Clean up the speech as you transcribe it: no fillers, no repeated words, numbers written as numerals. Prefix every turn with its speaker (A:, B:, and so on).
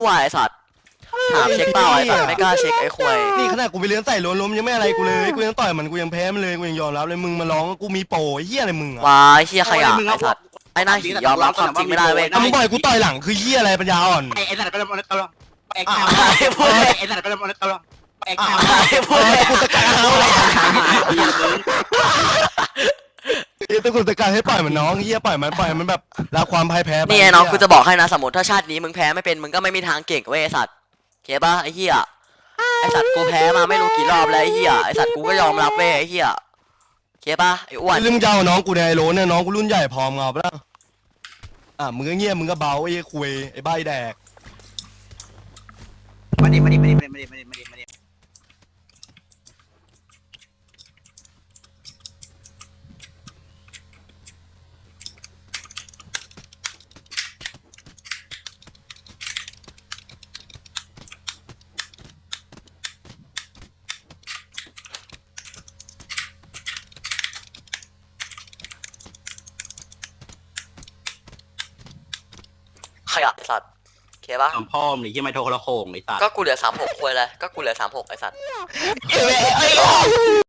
A: วายไอ้สัตว์ถามเช็คเปล่าไอ้สัตว์ไม่กล้าเช็คไอ้ควาย
B: นี่ขนาดกูไปเลี้ยงใส่ล้มยังไม่อะไรกูเลยกูยังต่อยมันกูยังแพ้มันเลยกูยังยอมรับเลยมึงมาร้องกูมีโปรไอ้เหี้ยอะไรมึงอะ
A: วายเฮียขยะไอ้สัตว์ไอ้หน้าหียอมรับความจริงไม่ได้เว้ย
B: ถ้ามึงปล่อยกูต่อยหลังคือเหี้ยอะไรปัญญาอ่อน
C: ไอ้สัตว์เป็นตลกไอ้
A: พูดเลย
C: ไอ้สัตว์เป็นตลกไอ้
A: พูดเลย
B: กูสกัดเอาเลยตะกุกตะการให้ปล่อยมันน้องเหี้ยปล่อยมันแบบรับความพ่ายแพ้
A: นี่ไงน้องกูจะบอกให้นะสมมติถ้าชาตินี้มึงแพ้ไม่เป็นมึงก็ไม่มีทางเก่งเว้ยไอ้สัตว์เก็บป่ะไอ้เหี้ยไอ้สัตว์กูแพ้มาไม่รู้กี่รอบแล้วไอ้เหี้ยไอ้สัตว์กูก็ยอมรับเว้ยไอ้เหี้ยเก็บป่ะไอ้อ้วน
B: เรื่องมึงจะเอาน้องกูในไอโรเนี่ยน้องกูรุ่นใหญ่พร้อมเงาปะล่ะมึงก็เงียบมึงก็เบาไอ้คุยไอ้ใบแดก
C: มาดิ
A: ขยะไอ้สัตว์เก็บป่ะ
C: พ่อมึงที่ไม่โทรโขงไอ้สัตว์
A: ก็กูเหลือ36ควายเลยก็กูเหลือ36ไอ้สัตว์